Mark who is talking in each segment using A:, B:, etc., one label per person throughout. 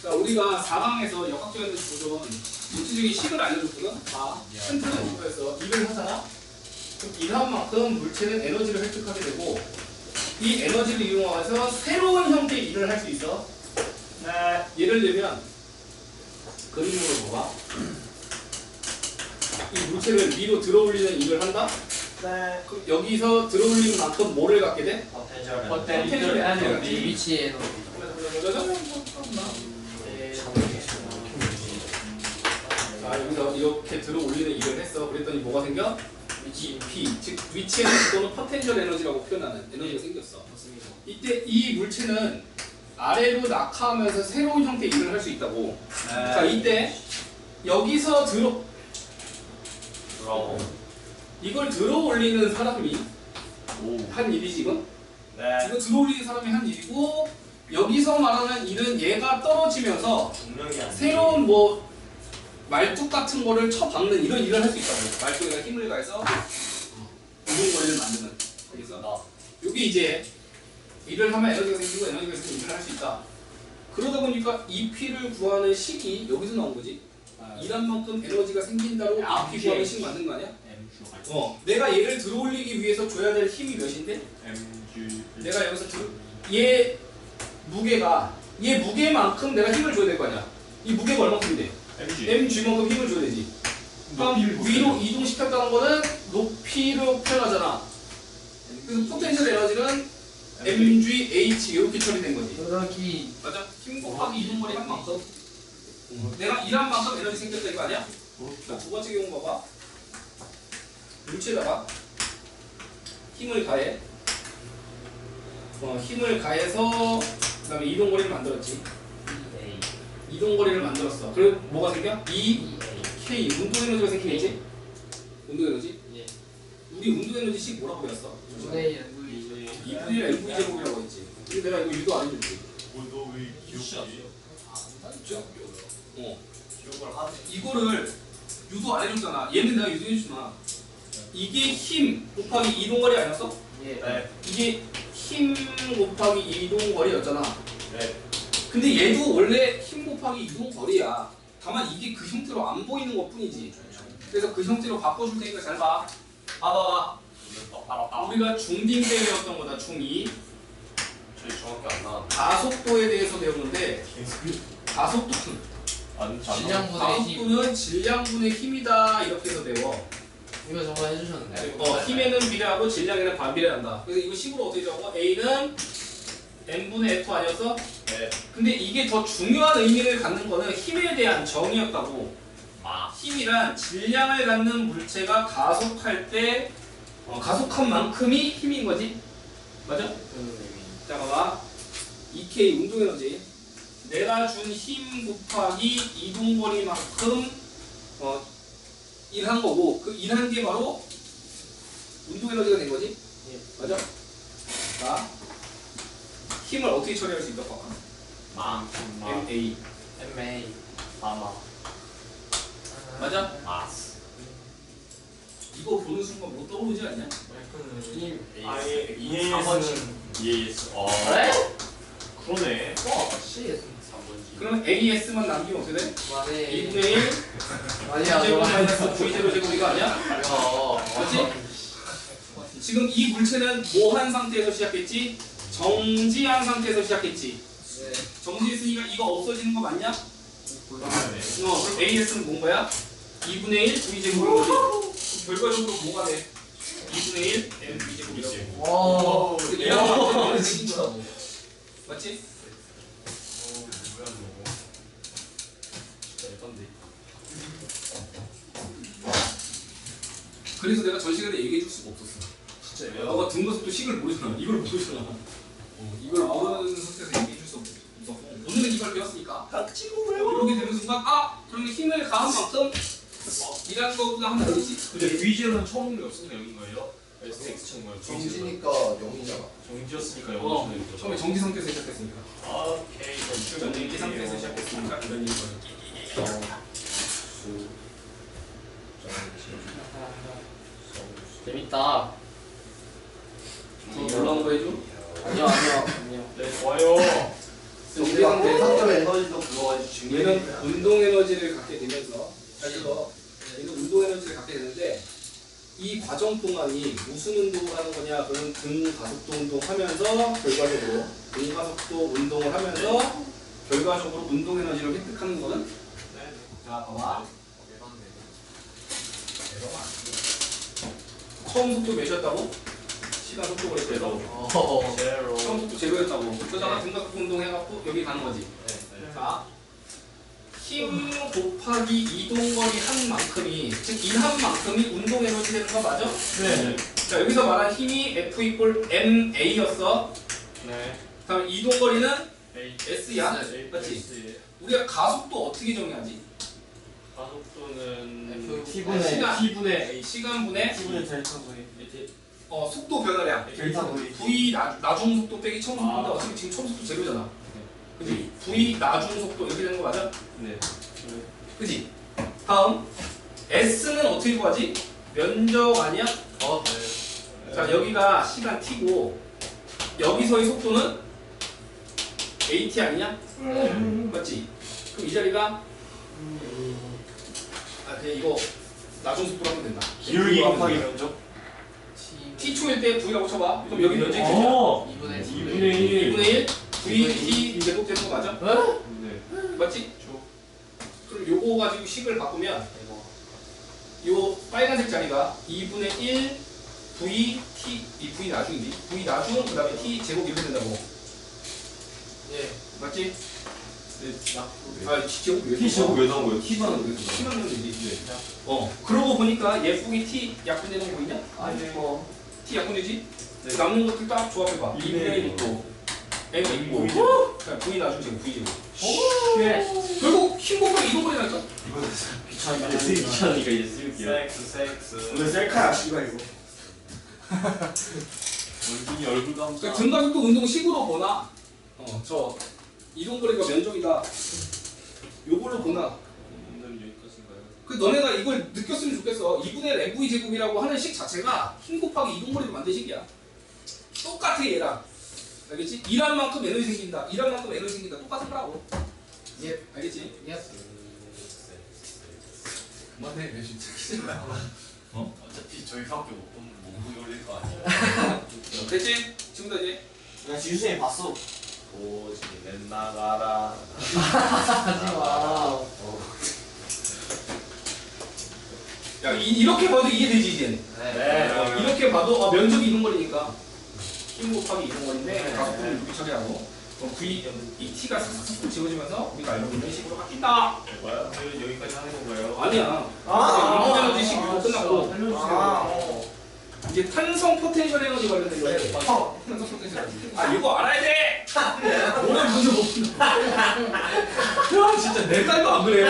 A: 자, 우리가 4강에서 역학적 에너지 보존 물질적인 식을 알려줬거든. 큰 틀은 이거였어. 일을 하잖아. 그럼 일한 만큼 물체는 에너지를 획득하게 되고 이 에너지를 이용해서 새로운 형태의 일을 할 수 있어. 네. 예를 들면 그림으로 봐봐. 이 물체를 위로 들어올리는 일을 한다.
B: 네.
A: 그럼 여기서 들어올리는 만큼 뭐를 갖게 돼?
B: 포텐셜 에너지.
C: 위치 에너지.
A: 자, 여기서 이렇게 들어올리는 일을 했어. 그랬더니 뭐가 생겨? P, 즉 위치 에너지 또는 포텐셜 에너지라고 표현하는 에너지가 생겼어. 이때 이 물체는 아래로 낙하하면서 새로운 형태의 일을 할 수 있다고. 자, 이때 여기서 이걸 들어올리는 사람이 한 일이지 이건?
B: 네.
A: 이거 들어올리는 사람이 한 일이고 여기서 말하는 일은 얘가 떨어지면서 새로운 뭐 말뚝 같은 거를 쳐박는 이런 일을 할 수 있다고. 말뚝에다 힘을 가해서 운동거리를 만드는. 그래서 여기 이제 일을 하면 에너지가 생기고 에너지가 있으면 일을 할 수 있다. 그러다 보니까 EP를 구하는 식이 여기서 나온 거지. 일한 만큼 에너지가 생긴다로 EP 구하는 식 만든 거 아니야? 내가 얘를 들어올리기 위해서 줘야 될 힘이 몇인데? 내가 여기서 얘 무게가 얘 무게만큼 내가 힘을 줘야 될 거 아니야. 이 무게가 얼마큼인데? mg만큼 힘을 줘야 되지. 그럼 위로 이동시켰다는 거는 높이로 표현하잖아. 그래서 포텐셜 에너지는 mgh 이렇게 처리된 거지.
C: 그러기.
A: 맞아? 힘 곱하기 이동거리 한 만큼. 내가 일한 만큼 에너지 생겼다 이거 아니야? 자, 두 번째 경우 봐봐. 물체에다가 힘을 가해. 힘을 가해서 그 다음에 이동거리를 만들었지. 이동거리를 만들었어. 그리고 뭐가 생겨? K 운동에너지가 생기겠지? 운동에너지?
C: 예.
A: 우리 운동에너지식 뭐라고 배웠어?
C: 2분의 1
A: 2분의 1 LV 제곱이라고 했지. 근데 내가 이거 유도 안 해줄게.
B: 너왜 기억이
A: 이거를 유도 안 해줬잖아. 얘는 내가 유도해주잖아. 이게 힘 곱하기 이동거리 아니었어?
C: 예.
B: 네.
A: 이게 힘 곱하기 이동거리였잖아.
B: 네.
A: 근데 얘도 원래 힘 곱하기 이동거리야. 다만 이게 그 형태로 안 보이는 것 뿐이지. 그래서 그 형태로 바꿔줄 테니까 잘 봐. 봐봐. 우리가 중2 때 배웠던 거다. 중2.
B: 저희 정확히 안 나왔는데.
A: 가속도에 대해서 배우는데 가속도는
C: 질량분의 힘.
A: 가속도는 질량분의 힘이다 이렇게 해서 배워.
C: 이거 저거 해주셨는데.
A: 힘에는 비례하고 질량에는 반비례한다. 그래서 이거 식으로 어떻게 적어? A는 n분의 F 아니었어?
B: 네.
A: 근데 이게 더 중요한 의미를 갖는 거는 힘에 대한 정의였다고. 힘이란 질량을 갖는 물체가 가속할 때 가속한 만큼이 힘인 거지. 맞아? 자, 봐봐. 2K 운동에너지. 내가 준 힘 곱하기 이동거리만큼 일한 거고 그 일한 게 바로 운동에너지가 된 거지. 맞아? 자, 힘을 어떻게 처리할 수 있다 봐봐. MA.
C: MA.
A: 맞아?
B: 마스.
A: 이거 보는 순간 뭐 떠오르지 않냐?
C: 힘.
B: 아예 EAS는 EAS.
C: 그래?
B: 그러네.
C: CS.
A: 그럼 AS만 남기면 어떻게 돼?
C: 만에
A: 2분의 1
C: 아니야.
A: 제곱 마이너스 V0 제곱 이거 아니야? 그렇지? 지금 이 물체는 뭐한 상태에서 시작했지? 정지한 상태에서 시작했지. 정지했으니까 이거 없어지는 거 맞냐? 그럼 AS는 뭔 거야? 2분의 1 V제곱인 거지. 결과적으로 뭐가 돼? 2분의 1 M V제곱이라고.
C: 와.
A: 이런 것들은 생긴 거라고. 맞지? 그래서 내가 전 시간에 얘기해 줄 수가 없었어. 진짜. 너가 등급도 식을 모르잖아. 이걸 모르잖아. 이걸 모르는 상태에서 얘기해 줄 수 없었고. 오늘은 이걸 배웠으니까. 이렇게 되는 순간, 그러면 힘을 가한 만큼 일하는 거보다 하면 되지.
B: 근데 V제로는 처음 없으니까 여긴 거예요? X 처음 거예요?
D: 정지니까 0이잖아.
B: 정지였으니까 여기
A: 처음에 정지 상태에서 시작했으니까.
B: 오케이.
A: 정지 상태에서 시작했으니까 이런 일거예요.
C: 재밌다.
A: 올라온 거 해줘?
C: 아니요.
B: 네, 좋아요.
D: 우리가 상점 에너지도 그거
A: 얘는 운동 에너지를 갖게 되면서 그래서 얘는 운동 에너지를 갖게 되는데 이 과정 동안이 무슨 운동을 하는 거냐? 그런 등가속도 운동하면서 결과적으로 등가속도 운동을 하면서 결과적으로 운동 에너지를 획득하는 거는 자 봐봐. 처음 속도 몇이었다고? 시간 속도가 그랬대서 처음 속도 제로였다고. 그러다가 등가속도 운동 해갖고 여기 가는 거지. 자, 힘 곱하기 이동거리 한 만큼이 즉 이 한 만큼이 운동 에너지 되는 거 맞아?
C: 네.
A: 자 여기서 말한 힘이 F 이꼴 MA였어.
C: 네.
A: 다음 이동거리는
C: A.
A: S야.
C: A.
A: 맞지? 우리가 가속도 어떻게 정의하지?
C: 가속도는
D: T분의
A: 시간.
C: T분의 A.
A: 시간분의
D: T분의 델타 V
A: 속도 변화량.
D: 델타 V
A: V 나중 속도 빼기 처음 속도인데 어차피 지금 처음 속도 제로잖아. 그지? V 나중 속도 이렇게 되는 거 맞아?
C: 네.
A: 그지? 다음 S는 어떻게 구하지? 면적 아니야?
C: 네.
A: 자 여기가 시간 t고 여기서의 속도는 at 아니냐? 맞지? 그럼 이 자리가 그냥 이거 나중 속도로 하면 된다.
D: 기울기 곱하기 면적
A: t초일 때 v라고 쳐봐. 그럼 여기 면적이 되냐?
C: 2분의
A: 2분의 1 v t 제곱 되는 거 맞아?
C: 네.
A: 맞지? 그럼 요거 가지고 식을 바꾸면 요 빨간색 자리가 2분의 1 v t 이 v 나중이지. v 나중 그 다음에 t 제곱 이렇게 된다고.
C: 예.
A: 맞지?
C: 네.
A: 아 t 제곱 왜?
D: T 제곱
A: 왜 나온 거야? t만 왜? t만 넣으면 되지. 그러고 보니까 예쁘게 t 약분되는 거 보이냐?
D: 아니
A: t 약분되지?
C: 네.
A: 남는 것들 딱 조합해봐. 2분의 1도 m 있고 v 나중 제곱 v 제곱.
C: 예.
A: 결국 힘 곱하기 이동거리라니까.
D: 귀찮으니까
C: 귀찮으니까 이제 쓸게요.
B: 섹스.
D: 오늘 셀카야 씨발 이거
B: 원준이 얼굴 감자.
A: 그러니까 등가속도 운동 식으로 보나 저 이동거리가 면적이다 요걸로 보나
B: 오늘은 여기까지인가요?
A: 그 너네가 이걸 느꼈으면 좋겠어. 2분의 1 MV 제곱이라고 하는 식 자체가 힘 곱하기 이동거리로 만든 식이야. 똑같아 얘랑. 알겠지? 일한 만큼 에너지 생긴다. 일한 만큼 에너지 생긴다. 똑같은 거라고.
C: 예.
A: 알겠지?
C: 예스.
A: 그만해 왜 진짜.
B: 어차피 저희밖에 못 보면 못 올릴 거 아니야.
A: 됐지? 지금도 이제
D: 야 지우쌤이 봤어
B: 오지 내 나가라.
C: 하지마.
A: 야 이렇게 봐도 이해되지 이제.
C: 네.
A: 이렇게 봐도 면적이 이동거리니까 힘 곱하기 이동거리인데
C: 네.
A: 가속도는 이렇게 처리하고 그럼 V 이 T가 싹싹 지워지면서 우리가 알고 있는 식으로 바뀐다.
B: 뭐야? 여기까지 하는 건가요?
A: 아니야. 이동 에너지 식 이거 끝났고
C: 살려주세요.
A: 이제 탄성 포텐셜 에너지 관련된 거 해. 탄성 포텐셜 에너지. 아 이거 알아야 돼. 오늘 문제 못 푼다. 야 진짜 내 딸도 안 그래요.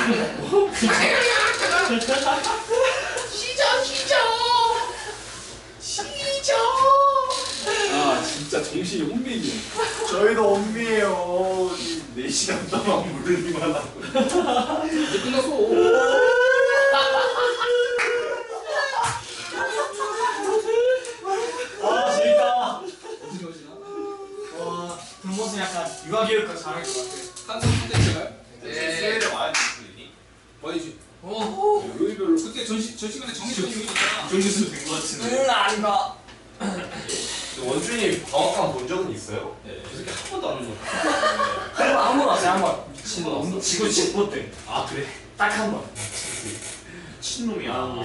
A: 아 진짜 정신이 혼미해.
D: 저희도 엄비예요 4시간 동안 물리기만 하고
A: 이제 끝났어.
D: 아 재밌다
A: 어떻게 하시나?
D: 와 등모습 약간 유아교육과 잘할 것 같아
A: 탄성 포텐셜.
C: 네.
B: 수요일에 와야 되니?
A: 뭐지?
C: 오.
A: 요일별로 그때 전 시간에 정해진 요일 있잖아.
B: 정신수 된거 같은데.
D: 아닌가
B: 원준이 방학간 본 적은 있어요?
A: 네. 그 새끼 한 번도 안 오는 거야.
D: 한번 왔어요 한번
A: 미친놈.
D: 지구 직보 때
B: 아 그래?
D: 딱 한번
B: 미친놈이야.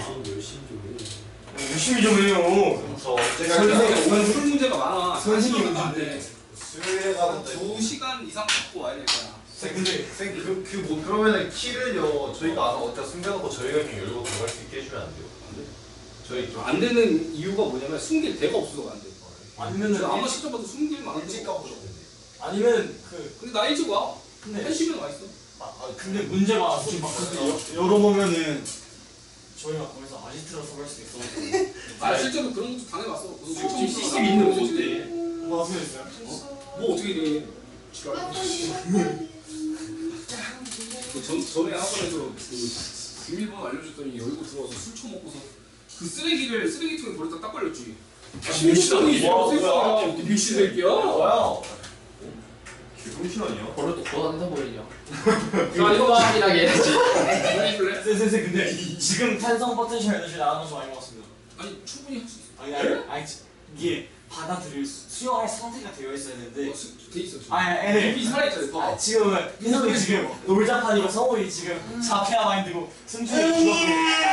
D: 열심히 좀 해요
B: 저 언제가
A: 선생님 오늘 술 문제가 많아.
D: 선생님
A: 선생님도 안 돼.
B: 수요일에 가면
A: 2시간 이상 갖고 와야 될 거야.
E: 근데 쌤 뭐 그러면은 키를요 저희가 와서 어디다 숨겨놓고 저희가 그냥 열고 들어갈 수 있게 해주면 안 돼요? 저희 좀
A: 안 되는 이유가 뭐냐면 숨길 데가 없어서 안 돼.
D: 아니면은
A: 아마 시점 봐도 숨길 만한
E: 일찍
A: 데가 없어.
E: 가보셨는데
D: 아니면 그
A: 근데 나 일찍 와.
D: 근데
A: 1시면 와 있어.
D: 근데 문제가 지금 막 열어보면은 저희가 거기서 아지트라서 할 수도 있어
A: 아 실제로 그런 것도 당해봤어.
D: 지금 CCTV 있는 거 어때? 뭐 하세요 있어요?
A: 뭐 어떻게 돼? 지랄. 전에 학원에서 그 비밀번호 알려줬더니 열고 들어와서 술 처먹고서 그 쓰레기를 쓰레기통에 버렸다 딱 걸렸지. 미친놈이
E: 뭐야,
A: 세상에
E: 뭐야.
A: 미친 새끼야.
E: 뭐야? 개동신 아니야?
C: 벌을 또 걷어낸다 보이냐.
A: 자 이거 봐.
C: 확실하게 해야지.
A: 해줄래?
D: 쌤 근데 지금 탄성 포텐셜 에너지 나가는 거 많이 먹었습니다.
A: 아니 충분히 할 수 있어.
D: 아니 이게 받아들일 수용할 상태가 되어 있어야 되는데.
A: 돼 있어.
D: 아니
A: 이 살아있잖아. 봐봐.
D: 지금은 희석이 지금 놀자판이고 성우이 지금 자폐아 마인드고 승준이 죽었고.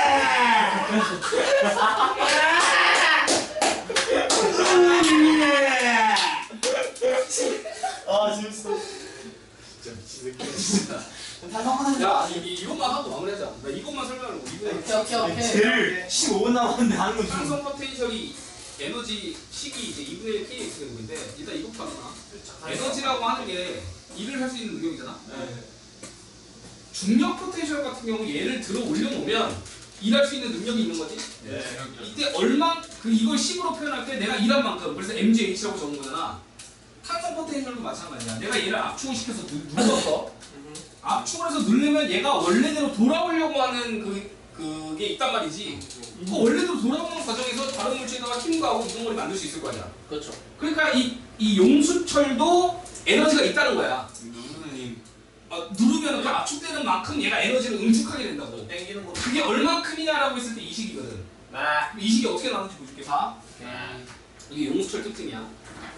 D: 아 재밌어.
E: 진짜 미친 새끼야.
D: 탄성 포텐셜.
A: 야 이것만 하고 마무리하자. 나 이것만 설명하고 이분의
D: 제일 15분 남았는데 하는 건 좀.
A: 상성 포텐셜이 에너지 식이 이제 2분의 1 kx 되는데 일단 이것부터 하잖아. 에너지라고 하는 게 일을 할 수 있는 능력이잖아.
D: 네.
A: 중력 포텐셜 같은 경우 얘를 들어 올려놓으면 일할 수 있는 능력이 있는 거지.
E: 네.
A: 이때 얼마 이걸 10으로 표현할 때 내가 일한 만큼 그래서 mgh라고 적은 거잖아. 탄성 포텐셜도 마찬가지야. 내가 얘를 압축을 시켜서 눌렀어. 압축을 해서 누르면 얘가 원래대로 돌아오려고 하는 그게 있단 말이지. 그 원래대로 돌아오는 과정에서 다른 물질에다가 힘과 하고 이동거리 만들 수 있을 거 아니야.
C: 그렇죠.
A: 그러니까 이 용수철도 에너지가 있다는 거야.
B: 누르는
A: 누르면 그 압축되는 만큼 얘가 에너지를 응축하게 된다고.
B: 땡기는 거.
A: 그게 얼마큼이냐라고 했을 때 이 식이거든. 이 식이 어떻게 나오는지 보여줄게. 봐. 이게 용수철 특징이야.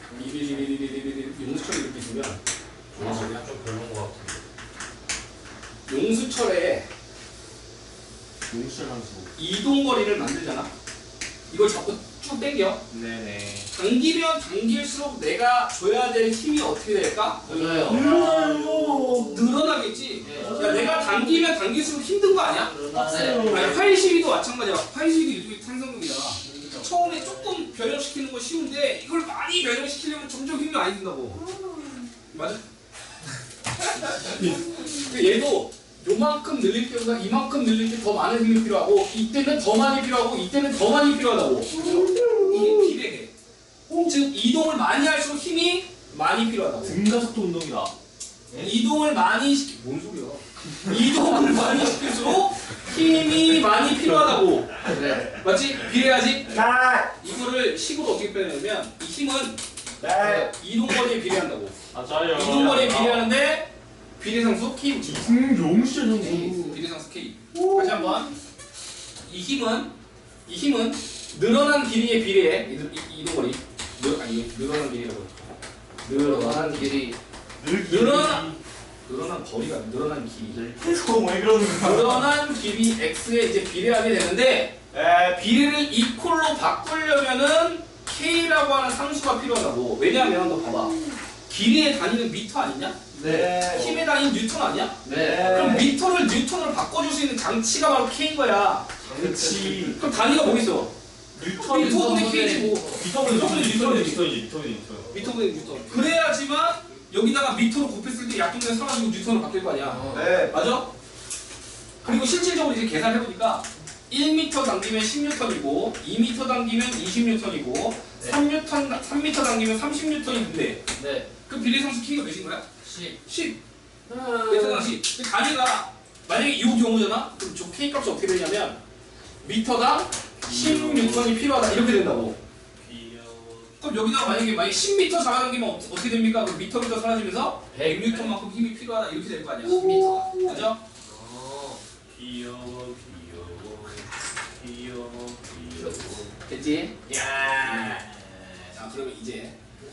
A: 용수철이 이렇게 있으면
E: 아, 좀 별로인 것 같은데.
A: 용수철에
B: 용실 함수.
A: 이동거리를 만들잖아. 이걸 자꾸 쭉 당겨.
B: 네네.
A: 당기면 당길수록 내가 줘야 될 힘이 어떻게 될까?
C: 맞아요.
A: 늘어나겠지. 야, 내가 당기면 당길수록 힘든 거 아니야?
C: 맞아요.
A: 아니, 활시위도 마찬가지야. 활시위도 일종의 탄성력이잖아. 처음에 조금 변형시키는 건 쉬운데 이걸 많이 변형시키려면 점점 힘이 많이 든다고. 맞아? 얘도 요만큼 늘릴 때보다 이만큼 늘릴 때 더 많은 힘이 필요하고 이때는 더 많이 필요하고 이때는 더 많이 필요하다고. 이게 비례해. 즉 이동을 많이 할수록 힘이 많이 필요하다고.
B: 등가속도 운동이다.
A: 이동을 많이 뭔 소리야? 이동을 많이 시킬수록 힘이 많이 필요하다고.
C: 네.
A: 맞지? 비례하지? 이거를 식으로 어떻게 표현하냐면 이 힘은 이동거리에 비례한다고.
B: 맞아요.
A: 이동거리에 비례하는데 비례상수 K 붙여.
B: 용실 함수.
A: 비례상수 K. 다시 한번. 이 힘은 늘어난 길이에 비례해. 이동거리. 늘어난 길이라고.
C: 늘어난 길이.
A: 늘어난 거리가 늘어난 길이.
D: 계속 왜 그러는 거야?
A: 늘어난 길이 x에 이제 비례하게 되는데 비례를 이퀄로 바꾸려면은 k라고 하는 상수가 필요하다고. 왜냐하면 너 봐봐. 길이의 단위는 미터 아니냐?
D: 네.
A: 힘의 단위는 뉴턴 아니야?
C: 네.
A: 그럼 미터를 뉴턴으로 바꿔줄 수 있는 장치가 바로 k인 거야.
D: 그렇지.
A: 그럼 단위가 뭐겠어? 미터분의 k지 뭐. 미터분의 뉴턴이지. 미터분의 뉴턴. 그래야지만 여기다가 미터로 곱했을 때 약동량 사라지고 뉴턴으로 바뀔 거 아니야.
E: 네.
A: 맞아? 그리고 실질적으로 이제 계산해보니까 1m 당기면 10N이고 2m 당기면 20N이고 3m 당기면 30N인데
C: 네.
A: 그 비례상수 k가 몇인 거야?
C: 10.
A: 10. 베트남 10. 근데 단위가 만약에 이 경우잖아? 그럼 저 k 값이 어떻게 되냐면 미터당 16N이 필요하다 이렇게 된다고. 그럼 여기다가 만약에 10m 잡아당기면 어떻게 됩니까? 그럼 미터 사라지면서 100N만큼 힘이 필요하다 이렇게 될 거 아니야? 10m가. 맞아?
B: 귀여워.
A: 됐지?
B: 야.
A: 자 그러면 이제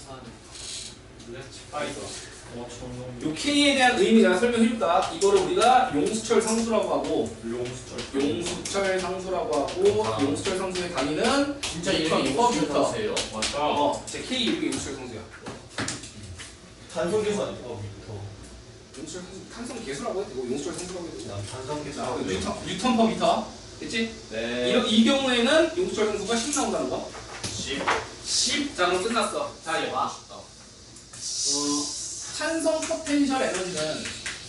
B: 파이터.
A: 요 K에 대한 의미 내가 설명해줄까? 이거를 우리가 용수철 상수라고 하고 용수철 상수라고 하고 용수철 상수의 단위는
C: 진짜
A: 뉴턴
C: 이름이
A: 퍼
C: 용수철
A: 미터.
C: 상수예요.
B: 맞다.
A: 제 K 이름이 용수철 상수야.
D: 단son 계산.
A: 용수철 상수 탄성 계수라고 해도 되고 용수철 상수라고 해도 되고.
E: 난 탄성
A: 자,
E: 계산.
A: 뉴턴 퍼 미터. 됐지?
B: 네.
A: 이 경우에는 용수철 상수가 10 나온다는 거.
B: 10.
A: 10. 자 그럼 끝났어. 자 이제 봐. 산성 포텐셜 에너지는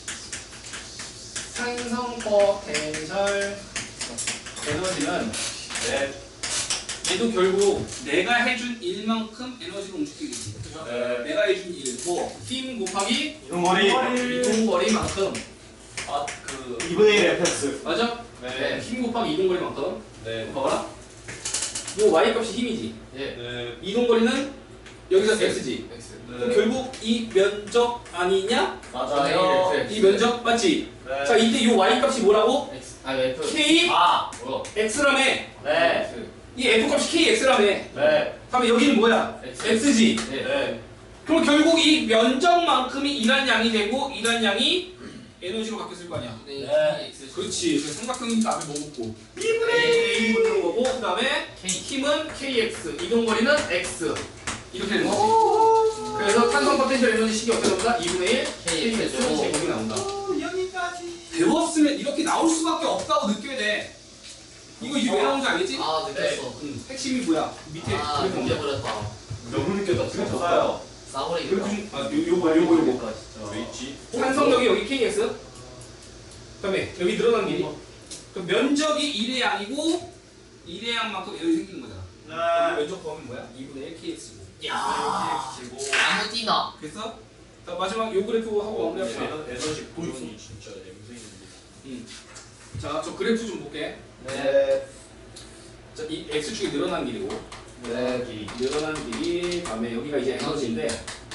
A: 얘도 결국 내가 해준 일만큼 에너지를 움직이겠지. 그죠?
B: 네.
A: 내가 해준 일, 뭐, 힘 곱하기
D: 이동거리.
A: 이동거리만큼.
B: 그
D: 2분의 1 fx.
A: 맞아?
B: 네.
A: 힘 곱하기 이동거리만큼.
B: 네.
A: 봐봐라. 요 y 값이 힘이지.
C: 예.
B: 네.
A: 이동거리는 여기서 x지.
C: X.
A: 그럼 결국 이 면적 아니냐?
E: 맞아요.
A: 이 면적 맞지?
E: 네.
A: 자 이때 이 y 값이 뭐라고?
C: X. 아 F.
A: k
E: 아,
C: 뭐야?
A: x라며.
E: 네.
C: X.
A: 이 f 값이 k x라며.
E: 네.
A: 그러면 여기는 뭐야?
C: X.
A: x지.
C: 네.
E: 네.
A: 그럼 결국 이 면적만큼이 일한 양이 되고 일한 양이 에너지로 바뀌었을 거 아니야.
C: 네. X.
A: 그렇지. 그래서 삼각형이니까 앞에 뭐 붙고 2분의 1 붙는 거고 그 다음에 힘은 kx, 이동거리는 x 이렇게 되는 거지. 그래서 탄성 포텐셜 에너지 식이 어떻게 나온다? 2분의 1 kx 제곱이 나온다.
B: 여기까지.
A: 배웠으면 이렇게 나올 수밖에 없다고 느껴야 돼. 이거 왜 나온지 알겠지?
C: 아 느꼈어.
A: 핵심이 뭐야? 밑에
C: 아
A: 그래프
C: 느껴버렸다.
E: 너무 느꼈다. 진짜 좋아요.
C: 싸버리겠다.
A: 요거
E: 왜 있지?
A: 탄성력이 여기 kx 그다음에 여기 늘어난 길이 그럼 면적이 1의 양이고 1의 양만큼 여기 생기는 거잖아. 그럼 면적 범위는 뭐야? 2분의 1 kx고.
C: 야. 아무 띠나.
A: 그래서 자, 마지막 요 그래프 하고 마무리합시다.
E: 에너지 구현이 진짜 냄새있는데.
A: 자, 저 그래프 좀 볼게.
E: 네.
A: 자, 이 x축이 늘어난 길이고
C: 네.
A: 늘어난 길이 다음에 여기가 이제 에너지인데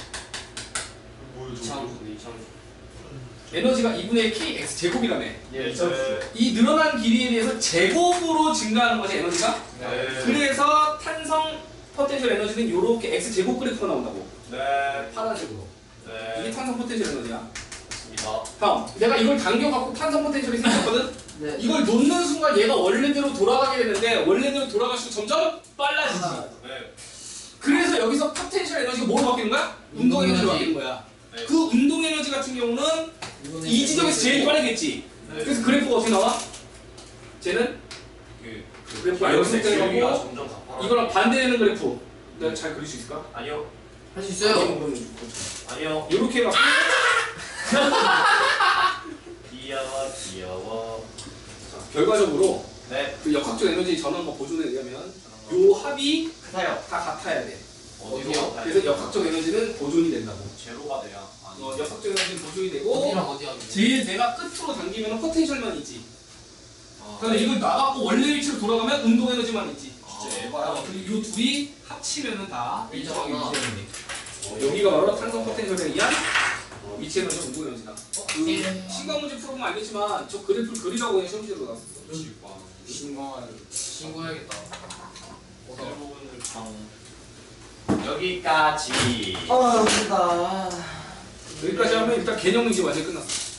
A: 에너지가 2분의 1 kx 제곱이라며.
E: 예,
A: 이 늘어난 길이에 대해서 제곱으로 증가하는 것이 에너지가.
E: 네.
A: 그래서 탄성 포텐셜 에너지는 이렇게 x 제곱 그래프가 나온다고.
E: 네.
A: 파란색으로. 이게
E: 네.
A: 탄성 포텐셜 에너지야.
E: 맞습니다.
A: 다음, 내가 이걸 당겨갖고 탄성 포텐셜이 생겼거든.
C: 네.
A: 이걸 놓는 순간 얘가 원래대로 돌아가게 되는데 원래대로 돌아갈수록 점점 빨라지지.
E: 네.
A: 그래서 여기서 포텐셜 에너지가 뭐로 바뀌는 거야? 운동 에너지로 바뀌는 거야.
E: 네.
A: 그 운동 에너지 같은 경우는 이 지점에서 제일 빠르겠지.
E: 네.
A: 그래서 그래프가 어떻게 나와? 쟤는 그래프가 여기서 때려가고
E: 점점 가파라.
A: 이거랑 반대되는 그래프. 내가 잘 그릴 수 있을까?
E: 아니요.
C: 할 수 있어요.
E: 아니요.
A: 이렇게 해갖고
E: 귀여워.
A: 결과적으로
E: 네.
A: 그 역학적 에너지 전환과 보존에 의하면 요 합이
E: 같아요.
A: 다 같아야 돼.
C: 어디요?
A: 그래서 역학적 에너지는 보존이 된다고.
B: 제로가 돼야.
A: 역학적 에너지는 보존이 되고
C: 어디랑 어디야?
A: 제일 내가 끝으로 당기면 포텐셜만 있지.
C: 아.
A: 그런데 이걸 나가고 원래 위치로 돌아가면 운동 에너지만 있지.
B: 진짜 에바야.
A: 그리고 요 둘이 합치면은 다 일정하게
C: 일정하구나.
A: 위치되는 게. 여기가 바로 탄성 포텐셜에 의한 위치 에너지 운동 에너지다. 그 시간 문제 풀어보면 알겠지만 저 그래프를 그리라고 그냥 시험 문제로 나왔어.
C: 신고해야겠다.
E: 여기까지.
A: 여기까지 하면 일단 개념 문제 완전 끝났어.